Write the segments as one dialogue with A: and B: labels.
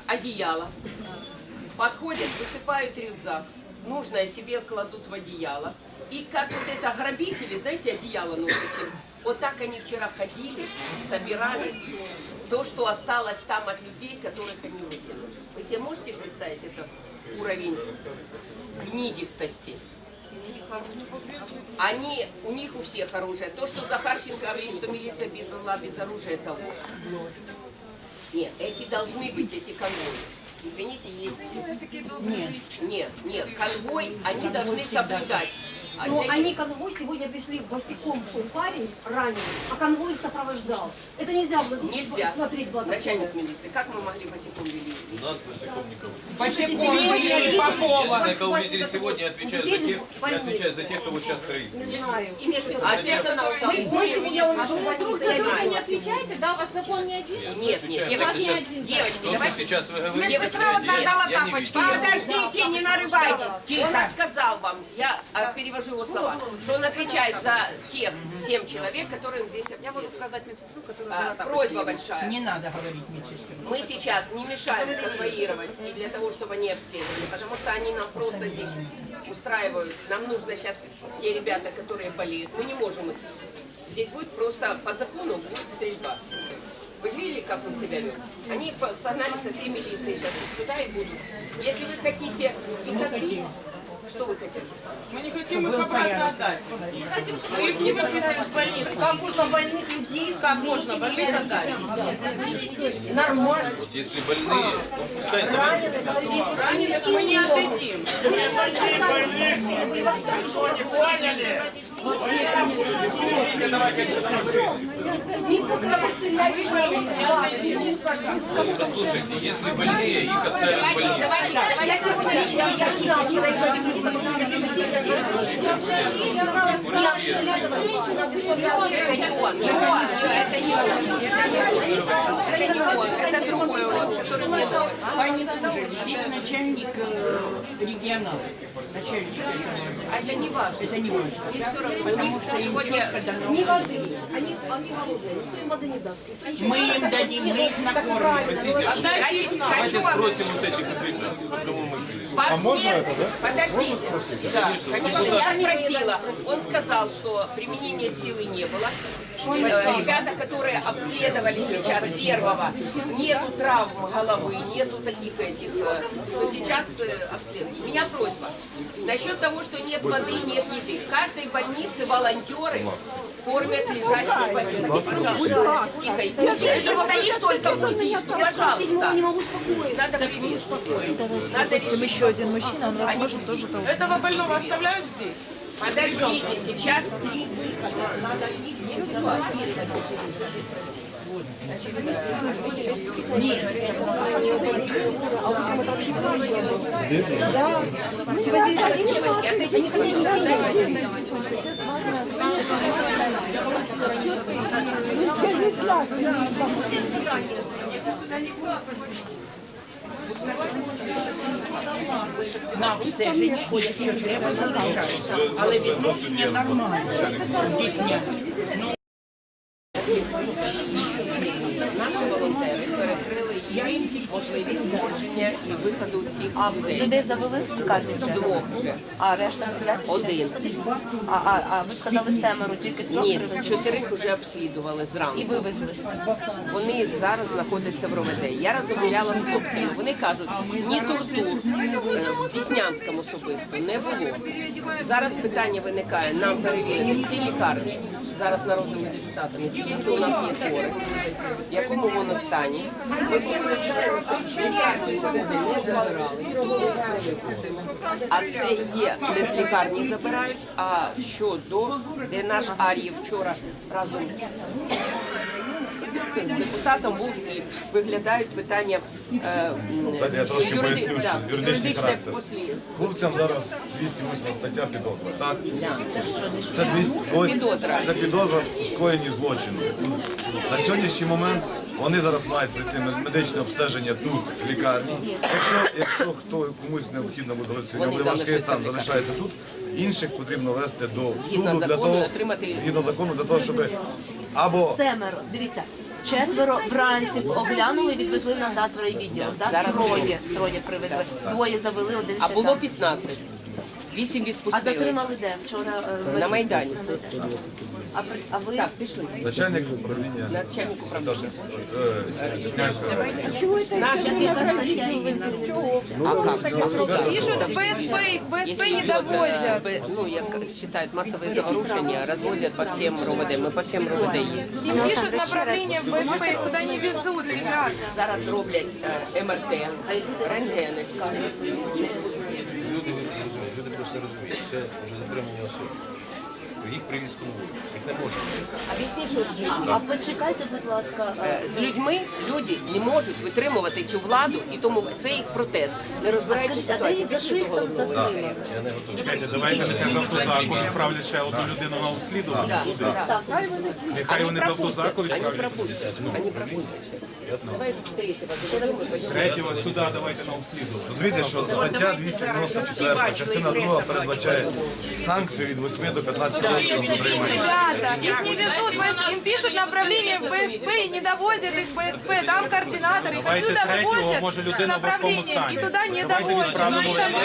A: одеяло. Подходят, высыпают рюкзак, нужное себе кладут в одеяло. И как вот это грабители, знаете, одеяло носите, вот так они вчера ходили, собирали то, что осталось там от людей, которых они выкинули. Вы себе можете представить этот уровень гнидистости? У них у всех оружие. То, что Захарченко говорит, что милиция без зла, без оружия, это ложь. Нет, эти должны быть, эти конвои. Извините, есть... Нет, конвой они должны соблюдать.
B: Но они конвой сегодня пришли босиком, шел парень раненый, а конвой их сопровождал. Это нельзя было смотреть.
A: Начальник милиции, как мы могли босиком вели?
C: У нас босиком никого.
D: Босиком вели Попова.
C: Я знаю, кого видели сегодня, отвечаю за тех, кого сейчас троих.
B: Не знаю.
A: А те, кто нам там...
B: Мы сегодня
E: Вдруг за это не отвечаете, да? У вас закон не один?
A: Нет, девочки,
C: То, что сейчас вы говорите,
D: Медсестра вот отдала
C: я не
D: тапочки.
C: вижу.
A: Подождите, не нарывайтесь. Он сказал вам, я перевожу его слова, что он отвечает за тех 7 человек, которые здесь обследуют.
B: Я могу показать медсестру, которая
A: Просьба большая.
D: Не надо говорить медсестре.
A: Мы сейчас не мешаем конвоировать и для того, чтобы они обследовали, потому что они нам просто здесь устраивают. Нам нужно сейчас те ребята, которые болеют, мы не можем их. Здесь будет просто по закону будет стрельба. Вы видели, как он себя вел? Они согнали со всей милиции сейчас сюда и будут. Если вы хотите их отбить, что вы хотите?
D: Мы не хотим их обратно отдать. Мы их не выпустим из больницы.
B: Как можно больных людей,
D: Как можно больных отдать?
B: нормально.
C: Вот если больные, ну пускай давайте.
D: Мы не отдадим.
C: Послушайте, если больные, их оставят в больнице.
B: Я сегодня вечером, я ждала, когда их эти
A: Это другой урод, который не был.
D: Здесь начальник регионала.
A: А это не важно.
D: Это не важно.
A: Все равно, потому что сегодня...
B: ни воды, они голодные, никто им воды не даст.
D: Мы им дадим, мы их накормим.
C: Простите, давайте спросим вот этих, кому мы шли.
A: Подождите. Да, конечно, я спросила. Он сказал, что применения силы не было. Ребята, которые обследовали сейчас первого, нету травм головы, нету таких этих, что сейчас обследуют. У меня просьба. Насчет того, что нет воды, нет еды. В каждой больнице волонтеры кормят лежащих больных. Пожалуйста, тихо. Если стоишь, только будешь, ну, пожалуйста.
B: Не могу спокоиться.
A: Надо привести. Надо
F: Еще один мужчина, он вас может тоже толкнуть.
D: Этого больного оставляют здесь?
A: Подождите, сейчас надо не ситуация.
D: На обстеження ходять, що треба, залишаються. Але відношення нормальне. Дійсня.
A: Наші волонтери перекрили їм можливість сходження і виходу цих людей.
E: Людей завели в лікарню вже?
A: Двох вже.
E: А решта сидять?
A: Один.
E: А ви сказали 7, тільки 3
A: Ні,
E: привезли?
A: 4 вже обслідували
E: І
A: зранку.
E: вивезли.
A: Вони зараз знаходяться в РОВД. Я розмовляла з хлопцями. Вони кажуть, ні тортур в Деснянському особисто не було. Зараз питання виникає, нам перевірити в цій лікарні, зараз народними депутатами, скільки у нас є хворих, в якому воно стані. Ми попереджаємо, що лікарні не забирали. А це є, не з лікарні забирають, а щодо, де наш Ар'єв вчора разом з депутатом був і виглядають питання
G: Я трошки поясню, що юридичний характер.
A: послід.
G: Хлопцям зараз 208 стаття підозра, так? Це
A: Підозра.
G: Це підозра у скоєнні злочину. На сьогоднішній момент вони зараз мають пройти медичне обстеження тут, в лікарні. Якщо комусь необхідно буде сьогодні важкий стан, залишається тут, інших потрібно вести до суду для того, згідно закону, для того, щоб або...
E: 7, дивіться.
H: четверо вранці оглянули, відвезли назад в райвідділ. Да?
A: Зараз
H: Троє привезли. Двоє завели, один
A: А
H: ще
A: було
H: там.
A: 15. 8
H: А
A: відпустили.
H: затримали де? Вчора
A: На Майдані.
H: А ви?
A: Так, пішли.
G: Начальник управління
A: Начальник управління.
G: Чеснянського району.
H: Яка стаття її?
E: Пишут в БСП, их в БСП не довозят.
A: Ну, як считают массовые заворушения, развозят по всем РОВД. Мы по всем РОВД їздимо.
E: Им пишут направление в БСП, их куда не везут, ребята.
A: Зараз роблять МРТ, рентгени.
C: Люди просто розуміють, це вже затримані особи. Їх привіз конвой, їх не можна.
A: Об'ясніть, що з людьми.
H: А почекайте, будь ласка.
A: З людьми люди не можуть витримувати цю владу, і тому це їх протест. Не розбираючись
H: Скажіть, а де їх за шиїх там затримали?
C: Чекайте, давайте нехай з автозаку відправлять ще одну людину на обслідування. Нехай вони з автозаку
A: Они
C: відправлять.
A: пропустят. Они пропустят. Давай третьего.
C: Третього сюди давайте на обслідування.
G: Розумієте, що стаття 294, частина 2 передбачає санкцію від 8 до 15 років затримання.
E: Ребята, их не везут, им пишут направление в БСП и не довозят их в БСП. Там координаторы, их
C: Давайте
E: отсюда
C: третього,
E: вывозят
C: може,
E: с
C: людина в важкому
E: направлением
C: стані.
E: и туда не
C: Давайте
E: довозят.
C: відправимо
E: Но их там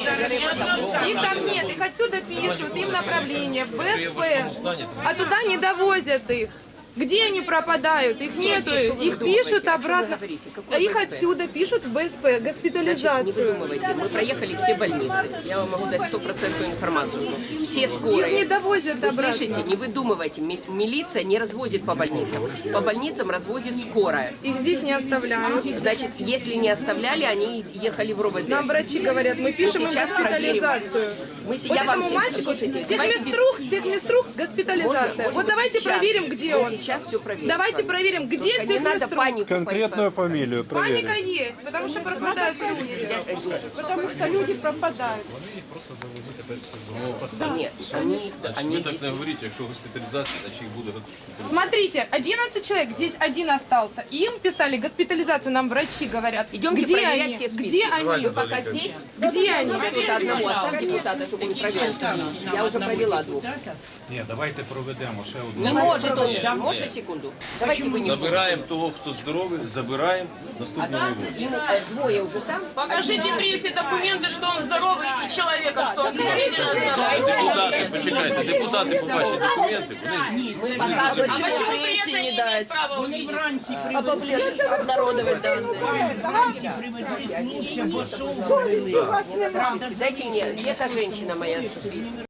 E: нет. Их там нет, их отсюда пишут, им направление в БСП, а туда не довозят их. Где они пропадают? Их нету, их пишут обратно. А их отсюда пишут в БСП,
A: Значит, не
E: госпитализацию.
A: выдумывайте. Мы проехали все больницы. Я вам могу дать стопроцентную информацию. Все
E: Их не
A: скорые.
E: довозят
A: Вы
E: обратно.
A: слышите, не выдумывайте. Милиция не развозит по больницам. По больницам развозит скорая.
E: Их здесь не оставляют.
A: Значит, если не оставляли, они ехали в РОВД.
E: Нам врачи говорят, мы пишем им
A: сейчас
E: госпитализацию.
A: Мы,
E: Вот
A: я вам
E: этому
A: всем-
E: мальчику
A: слушайте, давайте без-
E: техместрух, госпитализация. Вот давайте
A: сейчас-
E: проверим, где
A: мы
E: он.
A: сейчас все проверим.
E: Давайте проверим, где
A: Только не надо
E: техместрух.
A: панику.
I: Конкретную фамилию проверить.
E: Паника есть, потому что пропадают люди. Потому что люди пропадают.
C: Просто завезуть тепер все з нового посаду.
A: Нет, они
C: Ви так не говоріть, якщо госпіталізація, значить їх буде.
E: Смотрите, 11 человек, здесь один остался. Им писали госпитализацию, нам врачи говорят.
A: Идемте
E: где
A: проверять
E: они?
A: те списки.
E: Где они?
A: пока здесь.
E: Где они?
A: Кто-то одного оставьте депутата, чтобы он проверил. Я уже провела двух.
C: Ні, давайте проведемо ще одну.
A: Не может он. Можно секунду? Давайте вы не
C: Забираємо того, хто здоровий, забираємо наступного вивозимо.
A: Им двое уже там.
D: Покажите прессе документы, что он здоровый, и человека, что он действительно здоровый.
C: Депутати, почекайте, депутати побачать документи, вони
H: Показывать,
D: А
H: что
D: почему
H: прессе
D: пресса не
H: не
D: имеет
H: дать.
D: права увидеть?
H: Обнародовать данные.
A: Дайте мне, где та женщина моя спит?